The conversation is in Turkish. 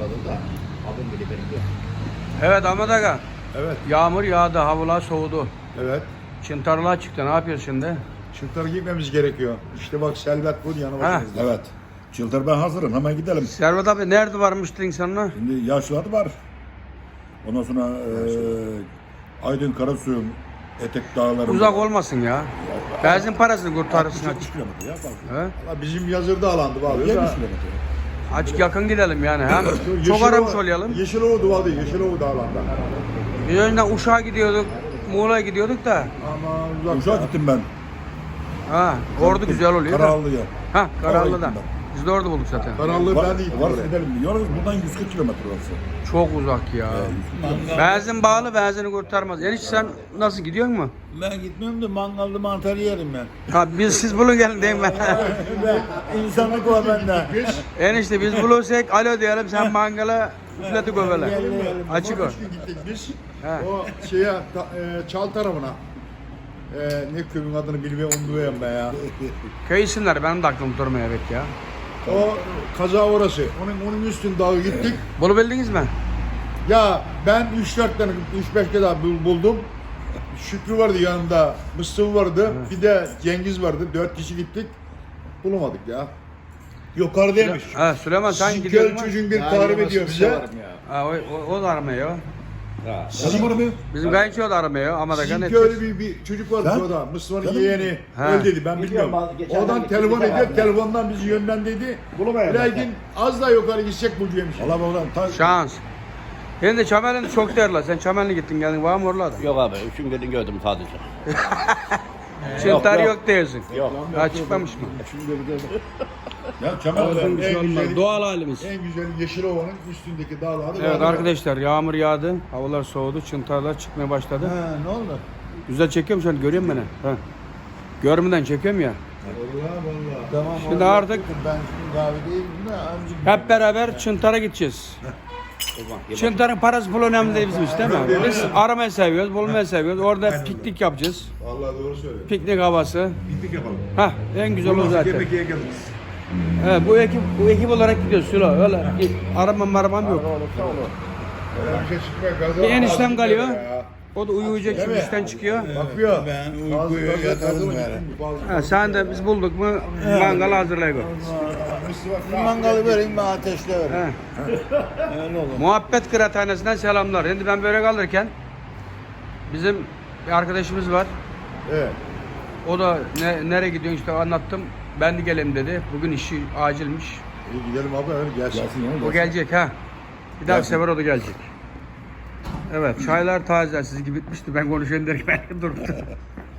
bağladım da. Abim bile benim yok. Evet Ahmet Aga. Evet, Yağmur yağdı, havalar soğudu. evet. Çıntarlığa çıktı. Ne yapıyorsun şimdi? Çıltara gitmemiz gerekiyor. İşte bak Selvet bu yanı Ha. başımızda. Evet. Çıldır ben hazırım. Hemen gidelim. Servet abi nerede varmıştın insanlar? Şimdi yaşlılar var. Ondan sonra Aydın Karasu'nun etek dağları. Uzak olmasın ya. Benzin parasını kurtarırsın 70 açık. kilometre ya. Bak. He? Valla bizim yazırda alandı bağlı. 70 kilometre. Açık yakın gidelim yani. Hem çok aramış olayalım. Yeşilova duvardı, Yeşilova dağlanda. Biz önceden Uşak'a gidiyorduk, Muğla'ya gidiyorduk da. Ama Uşağa gittim ben. Ha, orada güzel oluyor da. Karallı'ya. Ha, Karallı'da. Oraya gittim Biz de orada bulduk zaten. Karanlığı ben de gittim Var oraya. gidelim diyoruz. Buradan 140 kilometre orası. Çok uzak ya. Benzin bağlı, benzini kurtarmaz. Enişte sen nasıl gidiyor mu? Ben gitmiyorum da mangalda mantar yerim ben. Ha siz bulun gelin değil mi? İnsanlık var bende. Enişte biz bulursak alo diyelim sen mangala üfleti göbele. Açık o. 3 gün gittik biz. He. O şeye, Çal tarafına. Ne köyün adını bilmiyorum, onu duyuyorum ben ya. Köy isimleri benim de aklım durmuyor evet ya. O kaza orası. Onun üstün dağı gittik. Bulabildiniz mi? Ya ben 3-4 tane, 3-5 kere daha buldum. Şükrü vardı yanımda, Mustafa vardı, bir de Cengiz vardı. 4 kişi gittik. Bulamadık ya. Yukarıdaymış. Ha Süleyman sen Sizin gidiyor köy mu? çocuğun bir tarif ediyor bize. Ha o da aramıyor. Benim arabaya. Bizim kayınço da aramıyor ama da Sizin gane köyde bir çocuk vardı orada. Mustafa'nın yeğeni. Ha. Öyle dedi, ben bilmiyorum. Biliyorum, geçen Oradan gün telefon gittik ediyor, abi. telefondan bizi yönlendirdi. Lakin az daha yukarı gidecek bulacağım şimdi. Allah oradan ta şans. Benim de Çamel'in çok derler. Sen Çamel'e gittin geldin var mı oralarda? Yok abi, üçün gelin gördüm sadece. Çıntar yok. yok diyorsun. Yok. Ha çıkmamış mı? ya Kemal Bir şey olmaz. Doğal halimiz. En güzel Yeşilova'nın üstündeki dağlarda. Evet arkadaşlar yağmur yağdı. Havalar soğudu. Çıntarlar çıkmaya başladı. Ne oldu? Güzel çekiyorum şu an görüyor musun beni? Ha. Görmeden çekiyorum ya. Vallahi vallahi. Tamam. Şimdi artık ben şimdi davetiyim de amcık. hep beraber Çıntar'a gideceğiz. Çıntar'ın parası pul önemli değil bizim için değil mi? Biz aramayı seviyoruz, bulmayı seviyoruz. Orada piknik yapacağız. Vallahi doğru söylüyorsun. Piknik havası. Piknik yapalım. Hah en güzel o zaten. Yemek yiye geliriz. Evet bu ekip olarak gidiyoruz Sülo. Öyle aramam yok. Öyle bir şey çıkmıyor. Gaza Bir eniştem kalıyor. Ya. O da uyuyacak şimdi işten çıkıyor. Bakıyor. Ben uykuya yatarım yani. Ha, sen de biz bulduk mu mangal hazırlayalım. Mangalı vereyim ben ateşle vereyim. He. Öyle olur. Muhabbet Kıraathanesi'nden selamlar. Şimdi ben börek alırken bizim bir arkadaşımız var. Evet. O da nereye gidiyorsun işte anlattım. Ben de geleyim dedi. Bugün işi acilmiş. İyi gidelim abi öyle gelsin. Gelsin ya. O gelecek ha. Bir daha Gelsin. sefer o da gelecek. Evet çaylar taze. Siz gibi bitmişti. Ben konuşayım derken ben durdu.